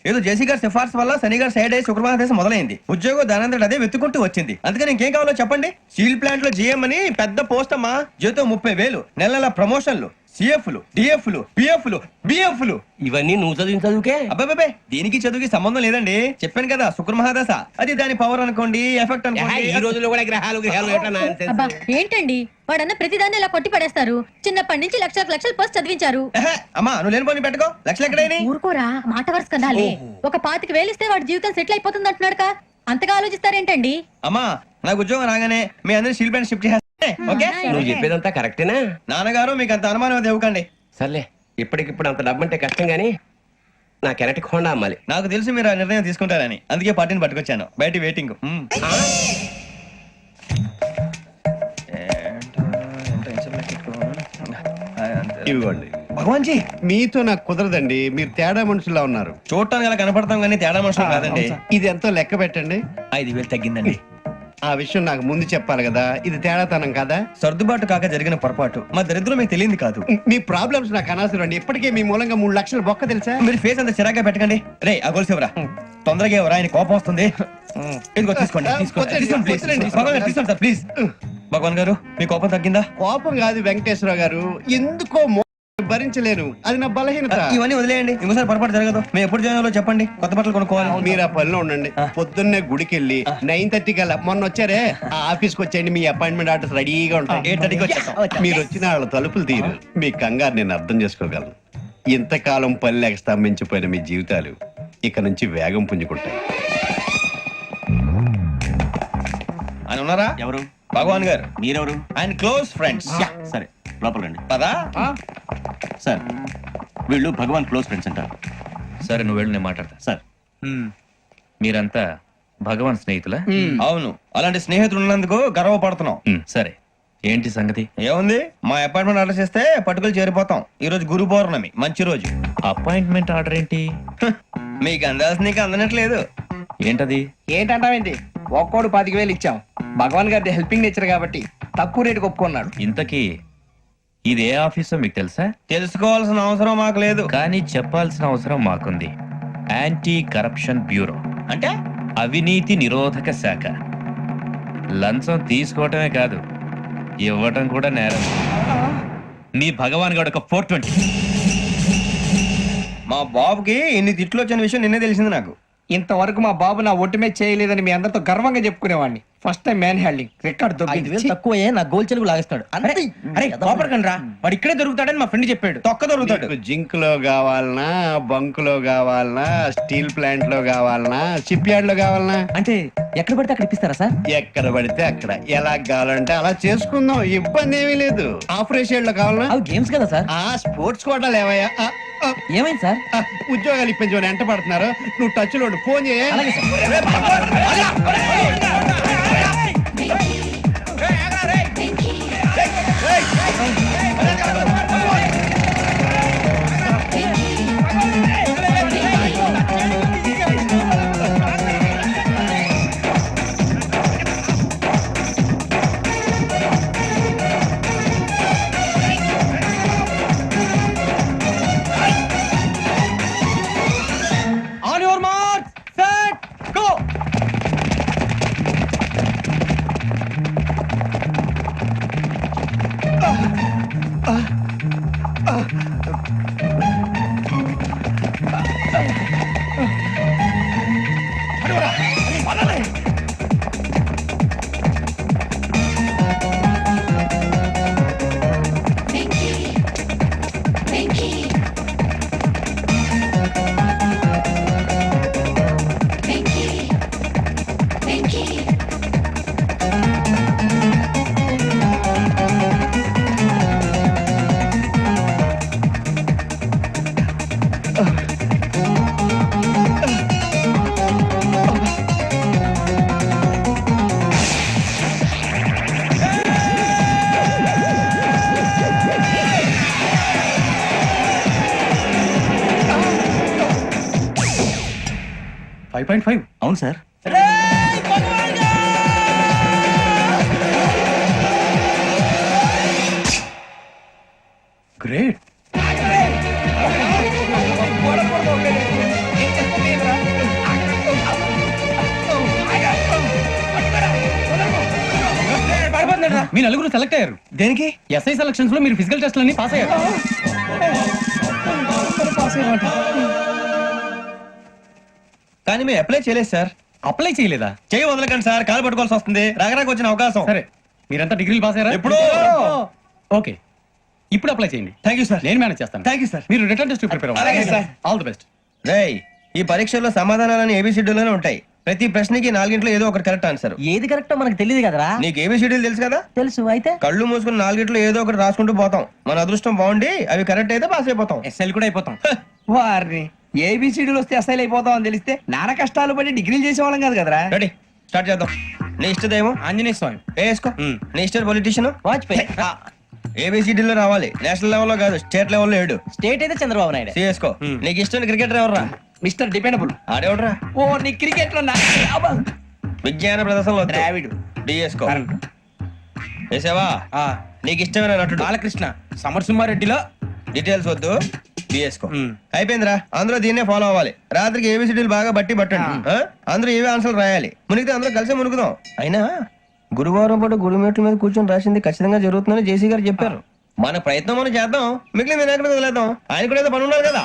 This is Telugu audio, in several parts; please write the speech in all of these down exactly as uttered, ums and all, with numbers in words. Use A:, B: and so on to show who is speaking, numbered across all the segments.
A: ఏదో జేసీ గారి సిఫార్సు వల్ల శని గారు సైడ్ అయ్యి శుక్రవారం మొదలైంది. ఉద్యోగం దానంతటి అదే వెతుకుంటూ వచ్చింది. అందుకని ఇంకేం కావాలో చెప్పండి. స్టీల్ ప్లాంట్ లో జీఎం అని పెద్ద పోస్ట్ అమ్మా. జీతం ముప్పై వేలు, నెల నెల ప్రమోషన్లు, సిఎఫ్లు, డిఎఫ్లు, పిఎఫ్లు, బిఎఫ్లు.
B: ఇవన్నీ నువ్వు చదివిన చదువుకే.
A: అబ్బాబే దీనికి చదువుకి సంబంధం లేదండి. చెప్పాను కదా శుక్ర మహాదశ, అది దాని పవర్ అనుకోండి, ఎఫెక్ట్ అనుకోండి.
B: ఈ రోజుల్లో కూడా గ్రహాలు గ్రహాలు
C: అబ్బా ఏంటండి వాడన్న ప్రతిదాన్ని ఇలా కొట్టి పడేస్తారు. చిన్నప్పటి నుంచి లక్షలకు లక్షలు పోస్ట్ చదివించారు.
A: అమ్మా నువ్వు లేని పోనీ పెట్టుకో. లక్షలు ఎక్కడైనా
C: ఊరుకోరా, మాట వరుస కదాలే. ఒక పాతికి వేలిస్తే వాడి జీవితం సెటిల్ అయిపోతుంది అంటున్నాడు. అంతగా ఆలోచిస్తారేంటండి?
A: అమ్మా నాకు ఉద్యోగం రాగానే మీ అందరూ స్టీల్ ప్లాంట్ షిఫ్ట్ చేస్తే ఓకే.
B: నువ్వు చెప్పేదంతా కరెక్టేనా?
A: నాన్నగారు మీకు అంత అనుమానం అది ఇవ్వకండి.
B: సర్లే, ఇప్పటికిప్పుడు అంత డబ్బు అంటే కష్టం గానీ నా కెనటిక్ హోండా అమ్మాలి.
A: నాకు తెలిసి మీరు ఆ నిర్ణయం తీసుకుంటారని, అందుకే పార్టీని పట్టుకొచ్చాను. బయట వెయిటింగ్.
D: ఇవ్వండి.
A: భగవాన్ జీ
D: మీతో నాకు కుదరదండి. మీరు తేడా మనుషుల్లా ఉన్నారు.
A: చూడటానికి అలా కనపడతాం కానీ తేడా మనుషులు కాదండి.
D: ఇది ఎంతో లెక్క పెట్టండి.
A: ఐదు వేలు తగ్గిందండి.
D: ఆ విషయం నాకు ముందు చెప్పాలి కదా. ఇది తేడాతనం కదా.
A: సర్దుబాటు కాక జరిగిన పొరపాటు. మా దరిద్రం మీకు తెలియదు కాదు.
D: మీ ప్రాబ్లమ్స్ నాకు అనవసరం అండి. ఇప్పటికే మీ మూలంగా మూడు లక్షలు బొక్క తెలుసా.
A: మీరు ఫేస్ అంత చిరాగ్గా పెట్టకండి. రే ఆ గొలుసు ఎవరా? తొందరగా ఎవరా? ఆయన కోపం వస్తుంది. ఇదిగో తీసుకోండి, తీసుకోండి, తీసుకోండి, ప్లీజ్. భగవాన్ గారు తీసుకోండి సార్, ప్లీజ్. భగవాన్ గారు మీ కోపం తగ్గిందా?
D: కోపం కాదు వెంకటేశ్వరరావు గారు, ఎందుకో మో- భరించలేను. అది నా బలహీనత.
A: ఇవన్నీ వదిలేయండి. ఇంకోసారి పొరపాటు జరగదు. మేము ఎప్పుడు జాయిన్ చెప్పండి. కొత్త బట్టలు కొనుక్కోవాలి.
D: మీరు ఆ పనిలో ఉండండి. పొద్దున్నే గుడికి వెళ్ళి నైన్ థర్టీ కల్లా, మొన్న వచ్చారే ఆ ఆఫీస్కి వచ్చేయండి. మీ అపాయింట్మెంట్ ఆర్డర్స్ రెడీగా ఉంటాయి.
A: ఎయిట్ థర్టీకి వచ్చేస్తాం.
D: మీరు వచ్చిన వాళ్ళ తలుపులు తీరు. మీ కంగారు నేను అర్థం చేసుకోగలను. ఇంతకాలం పని లేక స్తంభించిపోయిన మీ జీవితాలు ఇక నుంచి వేగం పుంజుకుంటాయి.
A: ఆయన ఉన్నారా?
E: ఎవరు?
A: భగవాన్ గారు.
E: మీరెవరు?
A: ఆయన క్లోజ్ ఫ్రెండ్స్.
E: సరే లోపల రండి.
A: పదా
E: సార్ వీళ్ళు భగవాన్ క్లోజ్ ఫ్రెండ్స్ అంటారు.
F: సరే నువ్వు వెళ్ళు, నేను మాట్లాడతా.
E: సార్
F: మీరంతా భగవాన్ స్నేహితులా?
A: అవును, అలాంటి స్నేహితులు ఉన్నందుకు గర్వపడుతున్నాం.
F: మ్, సరే ఏంటి సంగతి?
A: ఏముంది, మా అపాయింట్మెంట్ ఆర్డర్ చేస్తే పట్టుకులు చేరిపోతాం. ఈ రోజు గురు పౌర్ణమి, మంచి రోజు.
F: అపాయింట్మెంట్ ఆర్డర్ ఏంటి?
A: హ, మీకు అందాల్సి నీకు అందనట్లేదు.
F: ఏంటది?
G: ఏంటంటావేంటి? ఒక్కోడు పాతిక వేలు ఇచ్చాం. భగవాన్ గారి హెల్పింగ్ నేచర్ కాబట్టి తక్కువ రేటుకి ఒప్పుకున్నాడు.
F: ఇంతకీ ఇది ఏ ఆఫీసో మీకు తెలుసా?
A: తెలుసుకోవాల్సిన అవసరం మాకు లేదు.
F: కానీ చెప్పాల్సిన అవసరం మాకుంది. యాంటీ కరప్షన్ బ్యూరో,
A: అంటే
F: అవినీతి నిరోధక శాఖ. లంచం తీసుకోవటమే కాదు, ఇవ్వటం కూడా నేరం. మీ భగవాన్ గారు ఒక ఫోర్ ట్వంటీ.
A: మా బాబుకి ఇన్ని తిట్లు వచ్చిన విషయం నిన్నే తెలిసింది నాకు.
G: ఇంతవరకు మా బాబు నా ఒట్టుమే చేయలేదని మీ అందరితో గర్వంగా చెప్పుకునేవాడిని. First time man handing record దొరికింది.
A: తక్కువే నా గోల్ చెలుగు లాగేస్తాడు. అరే కోపడకండి రా, వాడు ఇక్కడే దొరుకుతాడని మా ఫ్రెండ్ చెప్పాడు. తొక్క దొరుకుతాడు.
D: మీకు జింక్ లో కావాలనా, బంక్ లో కావాలనా, స్టీల్ ప్లాంట్ లో కావాలనా, షిప్ యార్డ్ లో కావాలనా?
G: అంటే ఎక్కడ పడితే అక్కడ ఇప్పిస్తారా సార్?
D: ఎక్కడ పడితే అక్కడ, ఎలా కావాలంటే అలా చేసుకుందాం. ఇబ్బంది ఏమీ లేదు. ఆపరేషన్ లో కావాలనా?
G: అవి గేమ్స్ కదా సార్.
D: ఆ స్పోర్ట్స్ కోటాలు ఏవయ్యా? ఆ, ఆ,
G: ఏమైంది సార్?
D: ఆ, ఉద్యోగాలు ఇప్పించమని ఎంట పడుతున్నారు. నువ్వు టచ్ లో ఉండు, ఫోన్ చేయ.
A: On your mark, set, go.
E: Five point five అవును సార్. గ్రేట్.
H: మీ నలుగురు సెలెక్ట్ అయ్యారు
A: దేనికి?
H: ఎస్ఐ సెలక్షన్స్ లో మీరు ఫిజికల్ టెస్ట్ అన్ని పాస్ అయ్యారు.
A: కానీ మేము అప్లై చేయలేదు సార్.
H: అప్లై చేయలేదా?
A: చేయి వదలకండి సార్, కాలు పట్టుకోవాల్సి వస్తుంది. రాగరాకు వచ్చిన అవకాశం.
H: సరే, మీరంతా డిగ్రీలు పాస్ అయ్యారా?
A: ఎప్పుడో.
H: ఓకే, ఇప్పుడు అప్లై చేయండి.
A: Thank you sir.
H: నేను మేనేజ్ చేస్తాను.
A: Thank you sir.
H: మీరు రిటర్న్ టెస్ట్ ప్రిపేర్
A: అలాగే సార్.
H: All the best.
A: రేయ్, ఈ పరీక్షల్లో సమాధానాలని ఏబిసిడ్యూల్లోనే ఉంటాయి. ప్రతి ప్రశ్నకి నాలుగింట్లో ఏదో ఒకటి కరెక్ట్ ఆన్సర్.
I: ఏది కరెక్టో మనకు తెలియదు కదరా.
A: నీకు ఏబిసిడ్యూల్ తెలుసు కదా?
I: తెలుసు. అయితే
A: కళ్ళు మూసుకుని నాలుగింట్లో ఏదో ఒకటి రాసుకుంటూ పోతాం. మన అదృష్టం బాగుండి అవి కరెక్ట్ అయితే పాస్ అయిపోతాం.
G: ఎస్ఎల్ కూడా అయిపోతాం. వారిని ఏబిసిడీలు వస్తే ఎస్ఐలు అయిపోతాం అని తెలిస్తే నాన్న కష్టాలు పడి డిగ్రీలు చేసేవాళ్ళం కాదు కదరా.
A: రెడీ, స్టార్ట్ చేద్దాం. నీ ఇష్టదేమో
G: ఆంజనేయ స్వామి.
A: వేసుకో. నీ ఇష్ట పొలిటీషియన్
I: వాజ్పేయి.
A: ఏబిసిడీలో రావాలి. నేషనల్ లెవెల్లో కాదు, స్టేట్ లెవెల్లో ఏడు.
I: స్టేట్ అయితే చంద్రబాబు నాయుడు.
A: సిఎస్కో. నీకు ఇష్టం క్రికెటర్ ఎవర్రా?
G: Mister dependable.
A: ఆడేవడరా?
G: ఓ నీ క్రికెట్ లో
A: విజ్ఞాన ప్రదర్శనలో
G: ద్రావిడు.
A: డిఎస్కో. వేసావా? నీకు ఇష్టమైన నటుడు?
G: బాలకృష్ణ. సమర్సింహారెడ్డిలో
A: డీటెయిల్స్ వద్దు, బిఎస్కో. అయిపోయిందిరా, అందరూ దీన్నే ఫాలో అవ్వాలి. రాత్రికి ఏబిసిడీలు బాగా బట్టి పట్టండి. ఆ? అందరూ ఏవే ఆన్సర్లు రాయాలి. మునిగితే అందరూ కలిసి మునుగుదాం. అయినా గురువారం పాటు గురుమేట్ల మీద కూర్చొని రాసింది ఖచ్చితంగా జరుగుతుందని జేసీ గారు చెప్పారు. మన ప్రయత్నం మనం చేద్దాం, మిగిలిన నేను ఎక్కడ వదిలేద్దాం. ఆయన కూడా ఏదో పని ఉన్నారు కదా.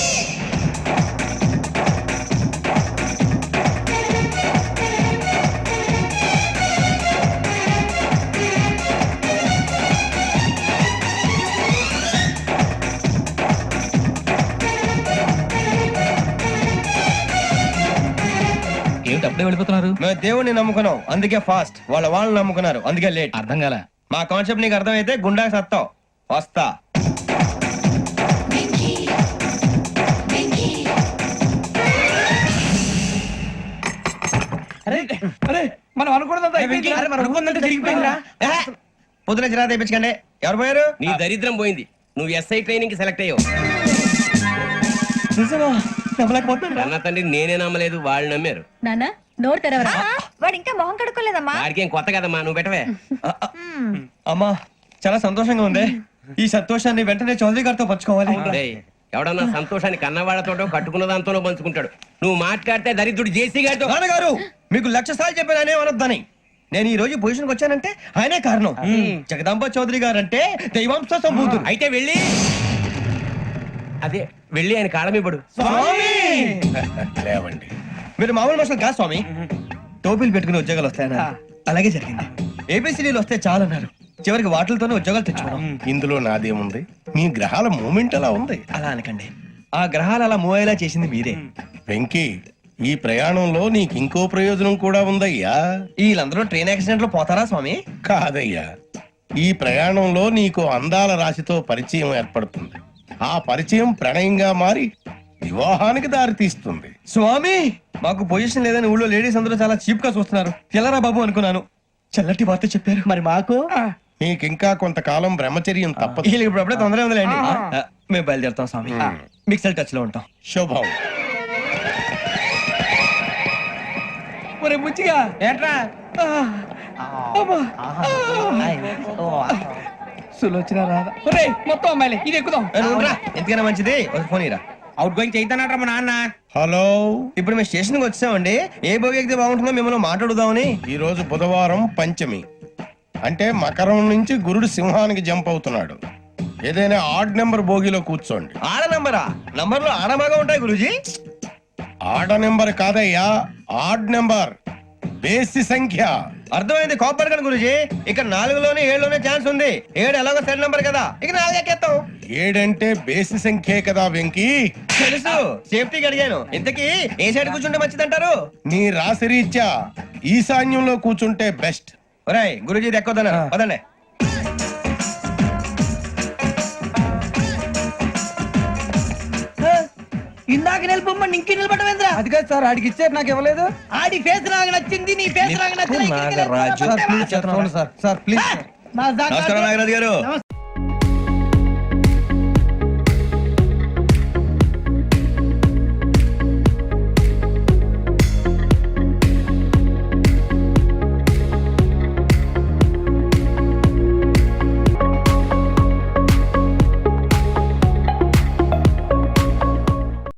H: ఏమిటి అప్పుడే వెళ్ళిపోతున్నారు?
A: మేము దేవుడిని నమ్ముకున్నాం, అందుకే ఫాస్ట్. వాళ్ళ వాళ్ళని నమ్ముకున్నారు, అందుకే లేట్.
H: అర్థం కాలే.
A: మా కాన్సెప్ట్ నీకు అర్థమైతే గుండా సత్తావు. వస్తా.
G: అరే మనం అనుకున్నదంతా అయిపోయింది. అరే, మనం అనుకున్నదంతా జరిగిపోయిందిరా.
A: పొద్దున చిరా తెప్పించకండి. ఎవరు పోయారు?
B: నీ దరిద్రం పోయింది. నువ్వు ఎస్ఐ ట్రైనింగ్ కి సెలెక్ట్ అయ్యావు. అన్న తండ్రి నేనే నమ్మలేదు, వాళ్ళు నమ్మారు.
C: నాన్న నోరు తెరవరా.
J: వాడు ఇంకా మొహం కడుక్కోలేదమ్మా.
B: వాడికి ఏం కొత్త కదమ్మా, నువ్వు పెట్టవే.
A: అమ్మా, చాలా సంతోషంగా ఉంది. ఈ సంతోషాన్ని వెంటనే చౌదరి గారితో పంచుకోవాలి.
B: డేయ్, ఎవడన్నా సంతోషాన్ని కన్నవాళ్లతోటో కట్టుకున్న దాంతోనో పంచుకుంటాడు. నువ్వు మాట్లాడితే దరిద్రుడు జేసీ గారితో.
A: నాన్నగారు, మీకు లక్ష సార్లు చెప్పాను ఆయనే అనొద్దని. నేను ఈ రోజు పొజిషన్కి వచ్చానంటే ఆయనే కారణం. జగదాంబ చౌదరి గారు అంటే దైవాంశ సంభూతుడు.
B: అయితే వెళ్ళి అదే వెళ్ళి ఆయన కాళ్ళమివ్వడు.
A: లేవండి, మీరు మామూలు మనుషులు కాదు స్వామి. టోపీలు పెట్టుకుని ఉద్యోగాలు వస్తాయన్నా, అలాగే జరిగింది. ఏబిసిడీలు వస్తే చాలన్నారు, చివరికి వాటిలతోనే ఉద్యోగాలు తెచ్చుకున్నాం.
K: ఇందులో నాదేముంది? మీ గ్రహాల మూమెంట్ అలా ఉంది.
A: అలా అనకండి, ఆ గ్రహాలు అలా మూవ్ అయ్యేలా చేసింది మీరే.
K: వెంకీ, ఈ ప్రయాణంలో నీకు ఇంకో ప్రయోజనం కూడా ఉందయ్యా.
A: వీళ్ళందరూ ట్రైన్ యాక్సిడెంట్ లో పోతారా స్వామి?
K: కాదయ్యా, ఈ ప్రయాణంలో నీకు అందాల రాశితో పరిచయం ఏర్పడుతుంది. ఆ పరిచయం ప్రణయంగా మారి వివాహానికి దారి తీస్తుంది.
A: స్వామి, మాకు పొజిషన్ లేదని ఊళ్ళో లేడీస్ అందరూ చాలా చీప్ గా చూస్తున్నారు. తెల్లరా బాబు అనుకున్నాను, చల్లటి వార్త చెప్పారు.
I: మరి మాకు
K: నీకింకా కొంతకాలం బ్రహ్మచర్యం తప్పదు.
A: వీళ్ళకి ఇప్పుడు అప్పుడే తొందరగా ఉందిలేండి. ఆ, మేము బయలుదేరుతాం స్వామి. మిక్సెల్ టచ్ లో ఉంటాం.
K: శుభం.
G: ఒరే బుచ్చిగా
I: ఏంట్రా?
G: సులోచన రాదా? ఒరే మొత్తం అమ్మాయిలే, ఇది ఎక్కుదాం.
A: ఏ, నువ్వు రా, ఎందుకైనా మంచిది ఒక ఫోన్ ఇరా.
G: అవుట్ గోయింగ్ చేద్దానట్రా మా నాన్న.
K: హలో,
A: ఇప్పుడు మేము స్టేషన్ కి వచ్చామండి. ఏ బోగి ఎక్కితే బాగుంటుందో మిమ్మల్ని మాట్లాడుదామని.
K: ఈ రోజు బుధవారం పంచమి, అంటే మకరం నుంచి గురుడు సింహానికి జంప్ అవుతున్నాడు. ఏదైనా ఆడ్ నెంబర్ బోగిలో కూర్చోండి.
A: ఆడ నంబరా? నంబర్లు ఆడబాగా ఉంటాయి గురూజీ.
K: ఆడ నెంబర్ కాదయ్యా, ఆడ్ నెంబర్, బేసి సంఖ్య.
A: అర్థమైంది, కాపర్ కానీ గురూజీ. ఇక్కడ నాలుగులోనే ఏడులోనే ఛాన్స్ ఉంది. ఏడు ఎలాగో సెడ్ నంబర్ కదా, ఇక నాలుగు ఎక్కేస్తాం.
K: ఏడంటే బేసి సంఖ్యే కదా వెంకీ.
A: తెలుసు, సేఫ్టీకి అడిగాను. ఇంతకీ ఏ సైడ్ కూర్చుంటే మంచిదంటారు?
K: నీ రాశి రీత్యా ఈశాన్యంలో కూర్చుంటే బెస్ట్.
A: ఒరేయ్, గురూజీ దెక్కొద్దన్నారు, పదండి.
I: ఇందాక నిలబొమ్మని ఇంకే నిలబడమేంద్రా?
G: అది కాదు సార్, ఆడికి ఇచ్చారు నాకు ఇవ్వలేదు.
I: ఆడి ఫేస్ నాకు నచ్చింది, నీ ఫేస్ నాకు నచ్చింది.
A: Nagaraju.
G: Sir please sir, sir please.
A: నమస్కారం నాగరాజు గారు.